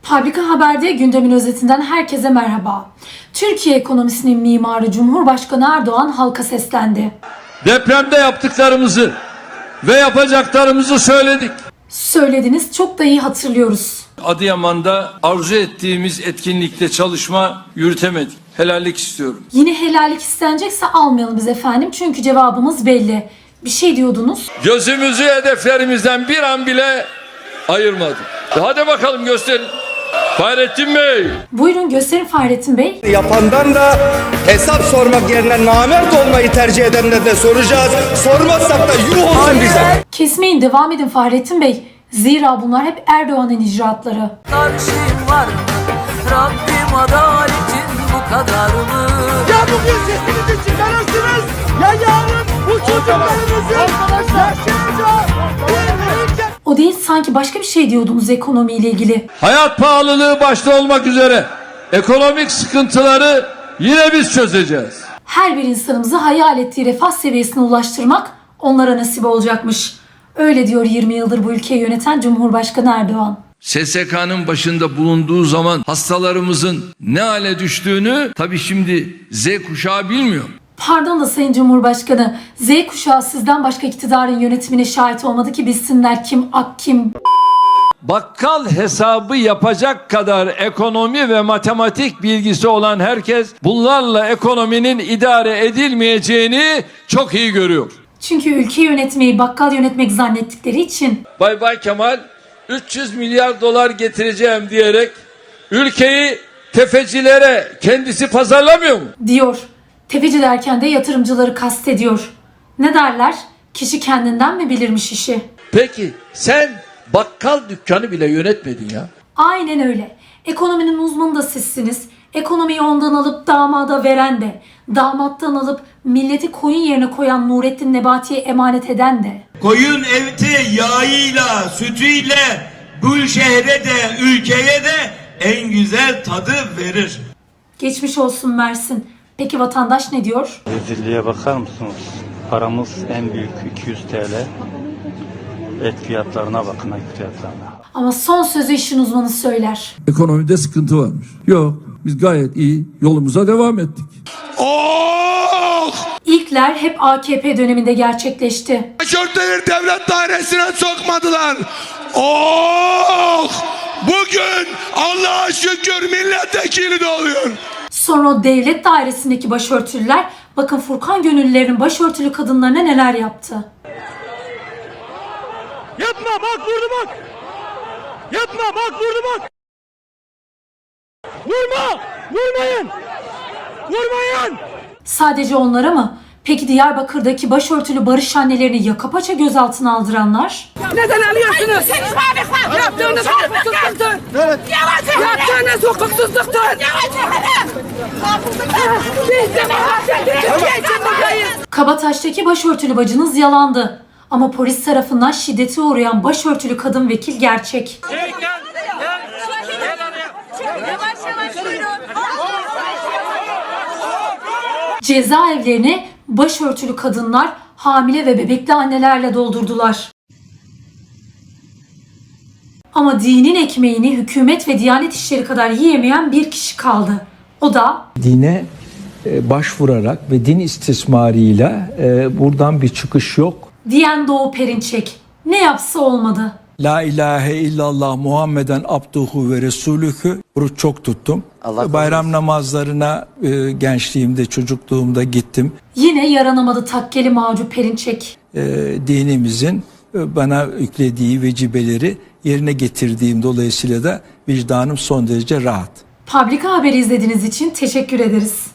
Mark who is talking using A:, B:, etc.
A: Fabrika Haber'de gündemin özetinden herkese merhaba. Türkiye ekonomisinin mimarı Cumhurbaşkanı Erdoğan halka seslendi.
B: Depremde yaptıklarımızı ve yapacaklarımızı söyledik.
A: Söylediniz, çok da iyi hatırlıyoruz.
B: Adıyaman'da arzu ettiğimiz etkinlikte çalışma yürütemedik. Helallik istiyorum.
A: Yine helallik istenecekse almayalım biz efendim, çünkü cevabımız belli. Bir şey diyordunuz.
B: Gözümüzü hedeflerimizden bir an bile ayırmadık. Hadi bakalım gösterin. Fahrettin Bey.
A: Buyurun gösterin Fahrettin Bey.
C: Yapandan da hesap sormak yerine namert olmayı tercih edenlerden de soracağız. Sormazsak da yuh olsun bize.
A: Kesmeyin, devam edin Fahrettin Bey. Zira bunlar hep Erdoğan'ın icraatları.
D: Karşım var mı? Rabbim adaletin bu kadar mı?
E: Ya bugün sesinizi çıkarırsınız ya yarın bu çocuklarımızın yaşayacağı bir ülke.
A: O değil, sanki başka bir şey diyordunuz ekonomiyle ilgili.
B: Hayat pahalılığı başta olmak üzere ekonomik sıkıntıları yine biz çözeceğiz.
A: Her bir insanımızı hayal ettiği refah seviyesine ulaştırmak onlara nasip olacakmış. Öyle diyor 20 yıldır bu ülkeyi yöneten Cumhurbaşkanı Erdoğan.
B: SSK'nın başında bulunduğu zaman hastalarımızın ne hale düştüğünü tabii şimdi Z kuşağı bilmiyor.
A: Pardon da Sayın Cumhurbaşkanı, Z kuşağı sizden başka iktidarın yönetimine şahit olmadı ki bilsinler kim ak kim.
B: Bakkal hesabı yapacak kadar ekonomi ve matematik bilgisi olan herkes bunlarla ekonominin idare edilmeyeceğini çok iyi görüyor.
A: Çünkü ülke yönetmeyi bakkal yönetmek zannettikleri için.
B: Bay Kemal 300 milyar dolar getireceğim diyerek ülkeyi tefecilere kendisi pazarlamıyor mu?
A: Diyor. Tefeci derken de yatırımcıları kastediyor. Ne derler? Kişi kendinden mi bilirmiş işi?
B: Peki sen bakkal dükkanı bile yönetmedin ya.
A: Aynen öyle. Ekonominin uzmanı da sizsiniz. Ekonomiyi ondan alıp damada veren de, damattan alıp milleti koyun yerine koyan Nurettin Nebati'ye emanet eden de.
F: Koyun eti yağıyla, sütüyle bu şehre de, ülkeye de en güzel tadı verir.
A: Geçmiş olsun Mersin. Peki vatandaş ne diyor?
G: Rezilliğe bakar mısınız? Paramız en büyük 200 TL. Et fiyatlarına bakın, et fiyatlarına.
A: Ama son sözü işin uzmanı söyler.
B: Ekonomide sıkıntı varmış. Yok, biz gayet iyi yolumuza devam ettik.
A: İlkler hep AKP döneminde gerçekleşti.
E: Başörtüleri devlet dairesine sokmadılar. Bugün Allah'a şükür milletvekili de oluyor.
A: Sonra o devlet dairesindeki başörtülüler, bakın Furkan Gönüllülerin başörtülü kadınlarına neler yaptı.
E: Yapma bak vurdu bak. Yapma bak vurdu bak. Vurma. Vurmayın. Vurmayın.
A: Sadece onlara mı? Peki Diyarbakır'daki başörtülü barış annelerini yaka paça gözaltına aldıranlar?
H: Neden alıyorsunuz? Yaptığınız hukuksuzluktur.
E: Evet.
H: Yaptığınız hukuksuzluktur. Biz demokrasi Türkiye için buradayız.
A: Kabataş'taki başörtülü bacınız yalandı. Ama polis tarafından şiddete uğrayan başörtülü kadın vekil gerçek. Cezaevlerini başörtülü kadınlar, hamile ve bebekli annelerle doldurdular. Ama dinin ekmeğini hükümet ve Diyanet İşleri kadar yiyemeyen bir kişi kaldı. O da
I: dine başvurarak ve din istismarıyla buradan bir çıkış yok.
A: diyen Doğu Perinçek. Ne yapsa olmadı.
I: La ilahe illallah Muhammeden abduhu ve resulühü. Oruç çok tuttum. Bayram namazlarına gençliğimde, çocukluğumda gittim.
A: Yine yaranamadı takkeli Macu Perinçek.
I: Dinimizin bana yüklediği vecibeleri yerine getirdiğim dolayısıyla da vicdanım son derece rahat.
A: Fabrika Haberi izlediğiniz için teşekkür ederiz.